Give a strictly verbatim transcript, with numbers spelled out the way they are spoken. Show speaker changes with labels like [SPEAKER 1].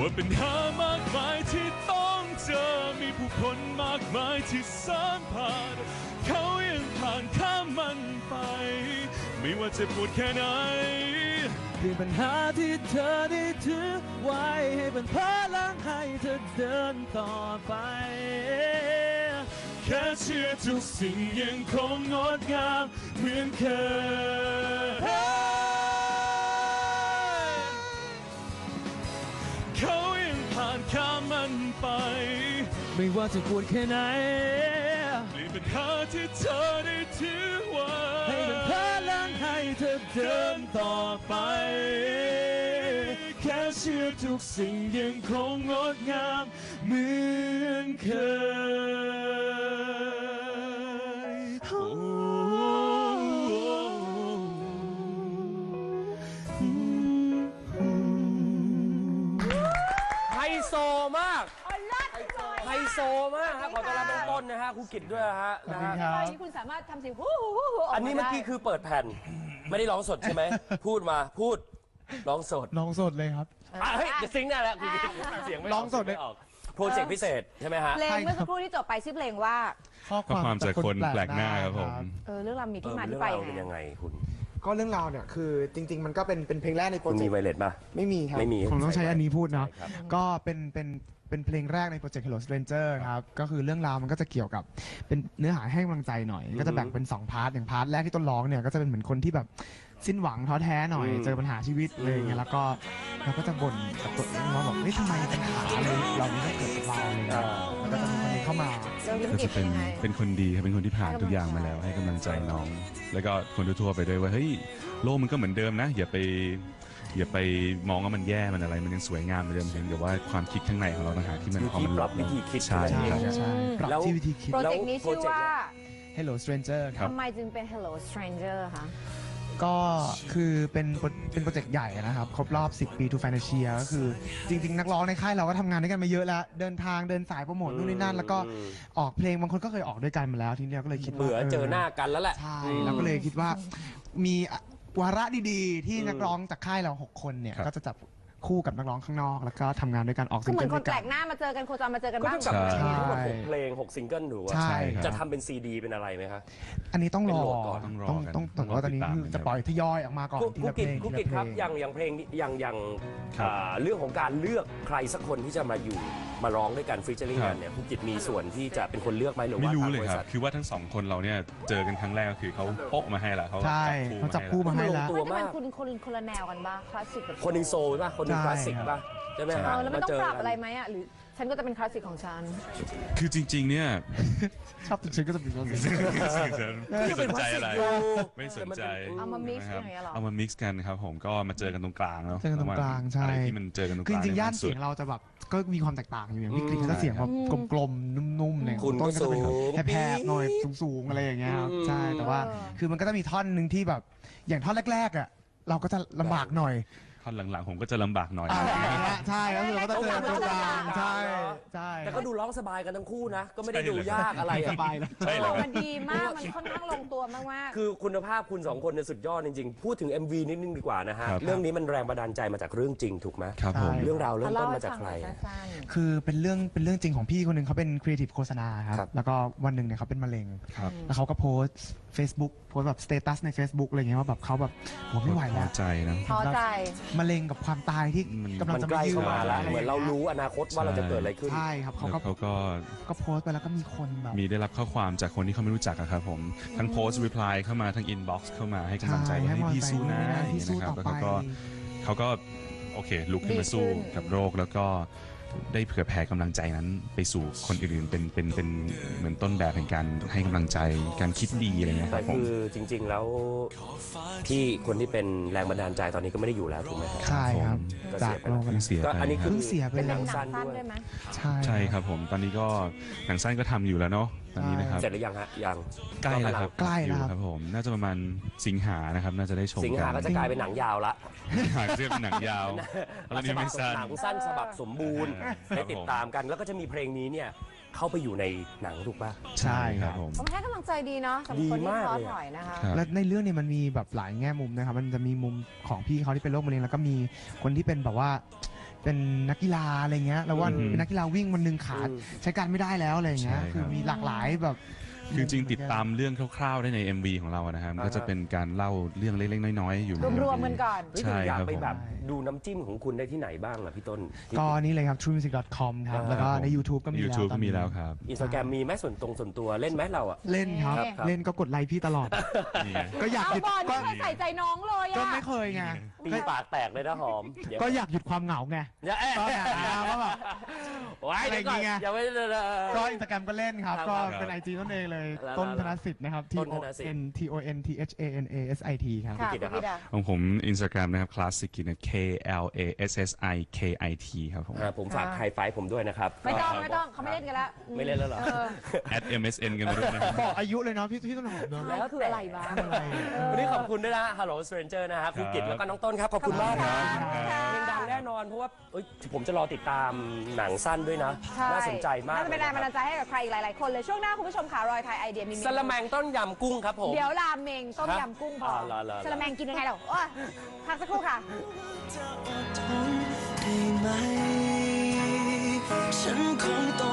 [SPEAKER 1] ว่าปัญหามากมายที่ต้องเจอมีผู้คนมากมายที่สานผ่านเขายังผ่านข้ามมันไปไม่ว่าจะปวดแค่ไหนเพียงปัญหาที่เธอได้ถือไว้ให้เป็นพลังให้เธอเดินต่อไปแค่เชื่อทุกสิ่งยังคงงดงามเหมือนเคยเขายังผ่านข้ามมันไปไม่ว่าจะปวดแค่ไหนเปลี่ยนปัญหาที่เธอได้ถือไว้ให้เป็นพลังให้เธอเดินต่อไปแค่เชื่อทุกสิ่งยังคงงดงามเหมือนเคย
[SPEAKER 2] ไฮโซมากไฮโซมากครับขอต้อนรับน้องต้นนะฮะครูกิตด้วยฮะนะฮะ
[SPEAKER 3] ตอนนี้คุณสามารถทำเสียงฮู้ฮู้ฮู้ฮู้
[SPEAKER 2] อันนี้เมื่อกี้คือเปิดแผ่นไม่ได้ร้องสดใช่ไหมพูดมาพูดร้องสด
[SPEAKER 4] ร้องสดเลยครับ
[SPEAKER 2] อ่ะเฮ้ยจะซิงค์ได้แล้วครูกิตเสียงไม่
[SPEAKER 4] ร้องสดเลย
[SPEAKER 2] ไม่ออกโปรเจกต์พิเศษใช่ไหมฮะ
[SPEAKER 3] เพลงเมื่อสักครู่ที่จบไปชื่อเพลงว่า
[SPEAKER 4] ข้อ
[SPEAKER 1] ข้อความจากคนแปลกหน้าครับผม
[SPEAKER 3] เออเรื่องราวมี
[SPEAKER 2] เอ
[SPEAKER 3] ที่
[SPEAKER 2] อ
[SPEAKER 3] มา
[SPEAKER 2] เรื่
[SPEAKER 3] ที่
[SPEAKER 2] อง
[SPEAKER 3] ไป
[SPEAKER 2] ราวเป็นยังไงคุณ
[SPEAKER 5] ก็เรื่องราวเนี่ยคือจริง ๆ มันก็เป็นเป็นเพลงแรกในโปร
[SPEAKER 2] คุณ
[SPEAKER 5] เจ
[SPEAKER 2] มี
[SPEAKER 5] กต์
[SPEAKER 2] ไวเลสป่ะ
[SPEAKER 5] ไม่มีครับ
[SPEAKER 2] ไม่มี
[SPEAKER 4] ผมต้องใช้อันนี้พูดเนาะ
[SPEAKER 2] ใช่ครับ
[SPEAKER 4] ก็เป็นเป็นเป็นเพลงแรกในโปรเจกต์ Hello Stranger ครับ ก็คือเรื่องราวมันก็จะเกี่ยวกับเป็นเนื้อหาให้กำลังใจหน่อย ก็จะแบ่งเป็นสองพาร์ทอย่างพาร์ทแรกที่ต้นร้องเนี่ยก็จะเป็นเหมือนคนที่แบบสิ้นหวังท้อแท้หน่อย
[SPEAKER 2] อืม
[SPEAKER 4] เจอปัญหาชีวิตอะไรอย่างเงี้ยแล้วก็เราก็จะบ่นกับตัวเองว่าแบบเฮ้ยทำไมปัญหาอะไรเราไม่ได้เกิดกับเราอะไรเงี้ยแล้วก็จะมีคนนี้เข้ามา
[SPEAKER 3] เรื่อง
[SPEAKER 1] ก็
[SPEAKER 3] ธุรกิจ
[SPEAKER 1] จะ
[SPEAKER 3] เป็
[SPEAKER 1] เป็น น
[SPEAKER 3] ยังไง
[SPEAKER 1] เป็นคนดีครับเป็นคนที่ผ่านทุกอย่างมาแล้วให้กำลังใจน้อง แล้วก็คนทั่วๆไปด้วยว่าเฮ้ยโลกมันก็เหมือนเดิมนะ อย่าไปอย่าไปมองว่ามันแย่มันอะไรมันยังสวยงามเหมือนเดิมเพียงแต่ว่าความคิดข้างในของเราต่างหากที่มัน
[SPEAKER 2] วิ
[SPEAKER 1] พอ
[SPEAKER 2] ธี
[SPEAKER 1] มัน
[SPEAKER 2] ปรับวิธีคิด
[SPEAKER 1] ใช่
[SPEAKER 4] ใช่
[SPEAKER 1] ครับ
[SPEAKER 4] ใช่ปรับ
[SPEAKER 2] แล้ว
[SPEAKER 4] ที่วิธีคิด
[SPEAKER 3] โปรเจกต์นี้ชื่อว่า
[SPEAKER 4] Hello Stranger ครับ
[SPEAKER 3] ทำไมจึงเป็น Hello Stranger คะ
[SPEAKER 4] ก็คือเป็นโปรเป็นโปรเจกต์ใหญ่นะครับ ครบรอบ สิบ ปี To Financial ก็คือจริง ๆ นักร้องในค่ายเราก็ทำงานด้วยกันมาเยอะแล้ว เดินทางเดินสายโปรโมทนู่นนี่นั่น แล้วก็ออกเพลงบางคนก็เคยออกด้วยกันมาแล้วทีนี้เราก็เลยคิดว่า
[SPEAKER 2] เบื่อเจอหน้ากันแล้วแหละ
[SPEAKER 4] ใช่เราก็เลยคิดว่ามีวาระดีๆ ที่นักร้องจากค่ายเราหกคนเนี่ย
[SPEAKER 1] ครับ
[SPEAKER 4] ก็จะจับคู่กับนักร้องข้างนอก แล้วก็ทำงานด้วยกันออก
[SPEAKER 3] ก็
[SPEAKER 4] ซิง
[SPEAKER 3] เหมื
[SPEAKER 4] เกิ
[SPEAKER 3] อ
[SPEAKER 4] ล
[SPEAKER 3] นค
[SPEAKER 4] ด้วน ย
[SPEAKER 3] แปล
[SPEAKER 4] กัน
[SPEAKER 3] กหน้ามาเจอกันโคจรมาเจอกัน
[SPEAKER 2] ก็
[SPEAKER 3] บ้าง
[SPEAKER 2] เท่ากับ
[SPEAKER 1] ใช่
[SPEAKER 2] มีทั้งหมดหกเพลงหกซิงเกิลถูกว่า
[SPEAKER 4] ใช่ครับ
[SPEAKER 2] จะทำเป็นซีดีเป็นอะไรไหมคะ
[SPEAKER 4] อันนี้ต้องรอ
[SPEAKER 2] เป็นโหลดก่อน
[SPEAKER 1] ต้องรอ
[SPEAKER 4] ต้อง
[SPEAKER 1] กัน
[SPEAKER 4] ต้องแต่ว่าตอนนี้
[SPEAKER 1] ต้องรอติดตาม
[SPEAKER 4] คือจะปล่อยทยอยออกมาก่อน
[SPEAKER 2] ครู
[SPEAKER 4] ที
[SPEAKER 2] ครู
[SPEAKER 4] ละเพ
[SPEAKER 2] กิ
[SPEAKER 4] ล
[SPEAKER 2] ต
[SPEAKER 4] ง
[SPEAKER 2] ครู
[SPEAKER 4] ที
[SPEAKER 2] กิต
[SPEAKER 4] ละเพ
[SPEAKER 2] ค
[SPEAKER 4] ล
[SPEAKER 2] รับ
[SPEAKER 4] ง
[SPEAKER 2] อย่างอย่างเพลงนี้อย่างอย่าง
[SPEAKER 1] ครับ
[SPEAKER 2] อ่าเรื่องของการเลือกใครสักคนที่จะมาอยู่มาร้องด้วยกันฟีเจอริ่ง
[SPEAKER 1] ครั
[SPEAKER 2] กับ นเนี่ยครูกิตมีส่วนที่จะเป็นคนเลือกไหมหรือว่า
[SPEAKER 1] ไม่รู้
[SPEAKER 2] ทาง
[SPEAKER 1] เลย
[SPEAKER 2] บริ
[SPEAKER 1] ครั
[SPEAKER 2] ษั
[SPEAKER 1] บ
[SPEAKER 2] ท
[SPEAKER 1] คือว่าทั้งสองคนเราเนี่ยเจอกันครั้งแรกก็คือเขาโป๊ะมาให้ละเขา
[SPEAKER 4] ใช่เขาจับคู่มาให้
[SPEAKER 2] ลง
[SPEAKER 4] แล้ว
[SPEAKER 2] ตัว
[SPEAKER 3] มันจะ
[SPEAKER 2] มา
[SPEAKER 3] เป็น
[SPEAKER 2] ก
[SPEAKER 3] คุณคนคนละแนวกันบ้างคลาสสิกกับ
[SPEAKER 2] คนหนึ่งโซลป่ะคนหนึ่ง
[SPEAKER 4] ใช่
[SPEAKER 2] คลาสสิกป่ะใช่ไหม
[SPEAKER 3] เอ
[SPEAKER 2] ฮะ
[SPEAKER 3] อแล้วไม่ต้อง
[SPEAKER 2] าเจ
[SPEAKER 3] ปรับ
[SPEAKER 2] กัน
[SPEAKER 3] อะไรไหมอ่ะหรือฉันก็จะเป็นคลาสสิกของฉัน
[SPEAKER 1] คือจริง ๆ เนี่ย
[SPEAKER 4] ชอบฉันก็จะเป็นคลาสสิก
[SPEAKER 1] ไม่สนใจอะไร ไม่สนใจ
[SPEAKER 3] เอามา mix
[SPEAKER 1] นะครับ
[SPEAKER 3] อย่างเงี้ยเหรอ
[SPEAKER 1] เอามา mix กันครับผมก็มาเจอกันตรงกลางเนาะ
[SPEAKER 4] เจอกันตรงกลางใช่
[SPEAKER 1] อะไรที่มันเจอกันตรงก
[SPEAKER 4] คือ
[SPEAKER 1] ลาง
[SPEAKER 4] จริงๆย่าน
[SPEAKER 1] สุ
[SPEAKER 4] เสี
[SPEAKER 1] ด
[SPEAKER 4] ยงเราจะแบบก็มีความแตกต่างอยู่อย่างพี่
[SPEAKER 2] อืม
[SPEAKER 4] กรีนเขาจะเสียงแบบกลมๆนุ่มๆเนี่ย
[SPEAKER 2] คุณก็
[SPEAKER 4] ต้นก็จะเป็นแบบ
[SPEAKER 2] สูง
[SPEAKER 4] แผบๆหน่อยสูงๆอะไรอย่างเงี้ยครับ
[SPEAKER 2] อืม
[SPEAKER 4] ใช่แต่ว่าคือมันก็จะมีท่อนหนึ่งที่แบบอย่างท่อนแรกๆอ่ะเราก็จะลำบากหน่อย
[SPEAKER 1] ท่อนหลังๆผมก็จะลำบากหน่อย
[SPEAKER 4] อ่าอย่างเงี้ยใช่ก็คือเราก็จะเจอตรงกลางใช่ใช่
[SPEAKER 2] แต่ก็ดูร้องสบายกันทั้งคู่นะ ก็ไม่ได้ดูยากอะไร
[SPEAKER 4] ส
[SPEAKER 2] อะ
[SPEAKER 4] บายนะ
[SPEAKER 1] ใช่เหรอ
[SPEAKER 3] โอ้มันดีมาก มันค่อนข้างลงตัวมาก
[SPEAKER 2] คือคุณภาพคุณสองคนเนี่ยสุดยอดจริงๆ พูดถึง เอ็ม วี นิดนึงดีกว่านะฮะ
[SPEAKER 1] ครับ
[SPEAKER 2] เรื่องนี้มันแรงบันดาลใจมาจากเรื่องจริงถูกไหม
[SPEAKER 1] ครับผม
[SPEAKER 2] เรื่องราว
[SPEAKER 3] ๆ
[SPEAKER 2] เริ่ม
[SPEAKER 3] เล่า
[SPEAKER 2] ต้น
[SPEAKER 3] ให้
[SPEAKER 2] มาจาก
[SPEAKER 3] ฟัง
[SPEAKER 2] ใค
[SPEAKER 3] ห
[SPEAKER 2] ร
[SPEAKER 3] น่อยสั้น
[SPEAKER 4] คือเป็นเรื่องเป็นเรื่องจริงของพี่คนหนึ่งเขาเป็นครีเอทีฟโฆษณาครับ
[SPEAKER 2] ครับ
[SPEAKER 4] แล้วก็วันหนึ่งเนี่ยเขาเป็นมะเร็ง
[SPEAKER 1] ครับ
[SPEAKER 4] แล้วเขาก็โพสต์ Facebook โพสต์แบบสเตตัสใน Facebook อะไรเงี้ยว่าแบบเขาแบบผมไม่ไหว
[SPEAKER 1] พ
[SPEAKER 4] แล้
[SPEAKER 1] อ
[SPEAKER 4] ว
[SPEAKER 1] ใจนะ
[SPEAKER 3] ๆท้อใจ
[SPEAKER 4] มะเร็งกับความตายที่
[SPEAKER 1] มัน
[SPEAKER 4] กำลัง
[SPEAKER 2] มัน
[SPEAKER 4] จะ
[SPEAKER 2] ใกล้
[SPEAKER 4] มายื
[SPEAKER 2] เข้ามาแล้ว
[SPEAKER 4] ะไ
[SPEAKER 2] เหมือนเรารู้อนาคตว่าเราจะเกิดอะไรขึ้น
[SPEAKER 4] ใช่ครับเขา
[SPEAKER 1] แล้
[SPEAKER 4] ก็
[SPEAKER 1] วเขาก็
[SPEAKER 4] ก็โพสต์ไปแล้วก็มีคนแบบ
[SPEAKER 1] มีได้รับข้อความจากคนที่เขาไม่รู้จักอะครับผมทั้งโพสต์รีプライเข้ามาทั้งอินบ็อกซ์เข้ามาให้กำลังใจ
[SPEAKER 4] ใช่
[SPEAKER 1] ว่า
[SPEAKER 4] ให้
[SPEAKER 1] ให้พี่
[SPEAKER 4] กำลังใจ
[SPEAKER 1] สู้นะ
[SPEAKER 4] นู่นนี่นั่น
[SPEAKER 1] อย่าง
[SPEAKER 4] พี่
[SPEAKER 1] เงี้ย
[SPEAKER 4] สู้
[SPEAKER 1] นะครับ
[SPEAKER 4] ต่อ
[SPEAKER 1] แล้วเขาก็
[SPEAKER 4] ไป
[SPEAKER 1] เขาก็โอเคลุกขึ้นมาสู้
[SPEAKER 3] ดีขึ้น
[SPEAKER 1] กับโรคแล้วก็ได้เผื่อแผ่กำลังใจนั้นไปสู่คนอื่นๆเป็นเป็นเป็นเหมือนต้นแบบแห่งการให้กำลังใจการคิดดีอะไรเงี้ยค
[SPEAKER 2] แต่
[SPEAKER 1] รับผม
[SPEAKER 2] คือจริง ๆ แล้วที่คนที่เป็นแรงบันดาลใจตอนนี้ก็ไม่ได้อยู่แล้วถูกไหมครับ
[SPEAKER 4] ใช่ครับ
[SPEAKER 2] ก็
[SPEAKER 4] จาก
[SPEAKER 2] เสียไป
[SPEAKER 4] โลก
[SPEAKER 1] เพิ่งเสีย
[SPEAKER 2] ก็
[SPEAKER 1] ไป
[SPEAKER 2] อันนี้คือ
[SPEAKER 4] เพิ่งเสียไป
[SPEAKER 2] เป็นห
[SPEAKER 3] เป็
[SPEAKER 2] นั
[SPEAKER 3] น
[SPEAKER 2] ง
[SPEAKER 3] หนัง
[SPEAKER 2] สั้น
[SPEAKER 3] สั้น
[SPEAKER 2] ด้วย
[SPEAKER 3] ด้วยไหม
[SPEAKER 4] ใช่
[SPEAKER 1] ใช่ครับผมตอนนี้ก็หนังสั้นก็ทำอยู่แล้วเนาะตอนนี้นะครับ
[SPEAKER 2] เสร็จหรือยังฮะยัง
[SPEAKER 1] ใกล้แล้วครับ
[SPEAKER 4] ใกล้แล้ว
[SPEAKER 1] อยู่ครับผมน่าจะประมาณสิงหานะครับน่าจะได้ชม
[SPEAKER 2] สิงหาก็จะกลายเป็นหนังยาวละ
[SPEAKER 1] หาเรียกเป็นหนังยาวแล้วนี่ไม่สั้น
[SPEAKER 2] หนังสั้นฉบับสมบูรณ์
[SPEAKER 1] ครั
[SPEAKER 2] ให้
[SPEAKER 1] บผม
[SPEAKER 2] ติดตามกันแล้วก็จะมีเพลงนี้เนี่ยเข้าไปอยู่ในหนังถูกป่ะ
[SPEAKER 4] ใช่ครับ
[SPEAKER 1] ผม
[SPEAKER 3] ผมให้กำลังใจดีเนาะสำหรับคน
[SPEAKER 2] ดี
[SPEAKER 3] ที่
[SPEAKER 2] มาก
[SPEAKER 3] ท้อ
[SPEAKER 2] เลยอะ
[SPEAKER 3] ถอยนะคะ
[SPEAKER 1] ครับ
[SPEAKER 4] และในเรื่องเนี่ยมันมีแบบหลายแง่มุมนะครับ มันจะมีมุมของพี่เขาที่เป็นโรคมะเร็งแล้วก็มีคนที่เป็นแบบว่าเป็นนักกีฬาอะไรเงี้ยแล้วว่า
[SPEAKER 2] อืม
[SPEAKER 4] เป็นนักกีฬาวิ่งวันหนึ่งขา
[SPEAKER 2] อืม
[SPEAKER 4] ใช้การไม่ได้แล้วอะไรเงี้ย
[SPEAKER 1] ใช่ครับ
[SPEAKER 4] คือมีหลากหลายแบบ
[SPEAKER 1] คือจริงๆติดตามเรื่องคร่าวๆได้ใน เอ็ม วี ของเรานะครับ
[SPEAKER 2] อ่าฮะ
[SPEAKER 1] ก็จะเป็นการเล่าเรื่องเล็กๆน้อยๆอยู่ใน
[SPEAKER 3] รวมๆกันก่อน
[SPEAKER 2] เฮ้ย
[SPEAKER 1] ใช่
[SPEAKER 2] แต่อยาก
[SPEAKER 1] ครับ
[SPEAKER 2] ไป
[SPEAKER 1] ผม
[SPEAKER 2] แบบดูน้ำจิ้มของคุณได้ที่ไหนบ้างอะพี่ต้น
[SPEAKER 4] ก็นี่เลยครับ ทรูมิวสิก ดอท คอม ครับ
[SPEAKER 2] อ่า
[SPEAKER 4] แล้วก็ใน YouTube ก็มีแล้ว
[SPEAKER 1] YouTube
[SPEAKER 4] ต
[SPEAKER 1] ก็
[SPEAKER 4] อนนี้
[SPEAKER 1] มีแล้วครับ
[SPEAKER 2] อินสตาแกรมมีไหมส่วนตรงส่วนตัวเล่นไหมเราอะ
[SPEAKER 4] เล่นครับ
[SPEAKER 2] ครับ
[SPEAKER 4] เล่นก็กดไลค์พี่ตลอด
[SPEAKER 1] นี่ไง
[SPEAKER 4] ก็อยาก
[SPEAKER 3] เอา
[SPEAKER 4] หยุด
[SPEAKER 3] บอล
[SPEAKER 4] ก็
[SPEAKER 3] ไม่เคยใส่ใจน้องเลย
[SPEAKER 4] ก็
[SPEAKER 3] อะ
[SPEAKER 4] ไม่เคยไง
[SPEAKER 2] ตีปากแตกเลยนะหอมเดี๋ยว
[SPEAKER 4] ก็อยากหยุดความเหงาไง
[SPEAKER 2] อย่าเอ๊ะ
[SPEAKER 4] ก็แบบอ่าก็แบบ
[SPEAKER 2] โอ้ยเดี๋ยวก่อน
[SPEAKER 4] อะไรอย่างเงี้ย
[SPEAKER 2] อย่าไม่ได้เลย
[SPEAKER 4] ก็อินสตาแกรมก็เล่นครับ
[SPEAKER 2] ครับ
[SPEAKER 4] ก็เป็น ไอ จี ต้นเองเลย
[SPEAKER 2] แล้ว
[SPEAKER 4] ต้นธนสิทธิ์นะครับ T
[SPEAKER 2] ต้น
[SPEAKER 4] O
[SPEAKER 2] ธนสิทธิ์
[SPEAKER 4] N T O N T H A N A S I T ครับ
[SPEAKER 3] ค่ะ
[SPEAKER 2] กิจ
[SPEAKER 3] คุณ
[SPEAKER 2] นะครับ
[SPEAKER 3] กิตอะ
[SPEAKER 1] ของผม Instagram นะครับ Classic Kid นะ K L A S S I K I T ครับผม
[SPEAKER 2] อ่าผมฝากไฮไฟว์ผมด้วยนะครับ
[SPEAKER 3] ไม่ต้องไม่ต้องเขาไม่เล่นกันแล้ว
[SPEAKER 2] ไม่เล่นแล้วเหรอ
[SPEAKER 3] เออ
[SPEAKER 1] at เอ็ม เอส เอ็น กันไปด้วยนะครับ
[SPEAKER 4] บอกอายุเลยเนาะพี่พี่ต้นหอมเนาะ
[SPEAKER 3] แล้วคืออะไรบ้าง
[SPEAKER 2] วันนี้ขอบคุณด้วยนะ Hello Stranger นะฮะครูกิจแล้วก็น้องต้นครับ ขอบคุณมากครับ
[SPEAKER 3] ขอบคุณค่ะ
[SPEAKER 2] เพลงดังแน่นอนเพราะว่าเอ้ยผมจะรอติดตามหนังสั้นด้วยนะ
[SPEAKER 3] ใช่
[SPEAKER 2] น่าสนใจมาก
[SPEAKER 3] น่าจะเป็นแรงบันดาลใจให้กับใครอีกหลาย ๆ คนเลย ช่วงหน้าคุณผู้ชมค่ะรอยไทยไอเดียมีเมนู
[SPEAKER 2] สละแมงต้นยำกุ้งครับผม
[SPEAKER 3] เดี๋ยวราเมงต้มยำกุ้งพอ
[SPEAKER 2] อ่าเหรอเหรอ
[SPEAKER 3] สละแมงกินยังไงเราโอ้ยพักสักครู่ค่ะ
[SPEAKER 6] จะอดทนได้ไหม ฉันคงต้อง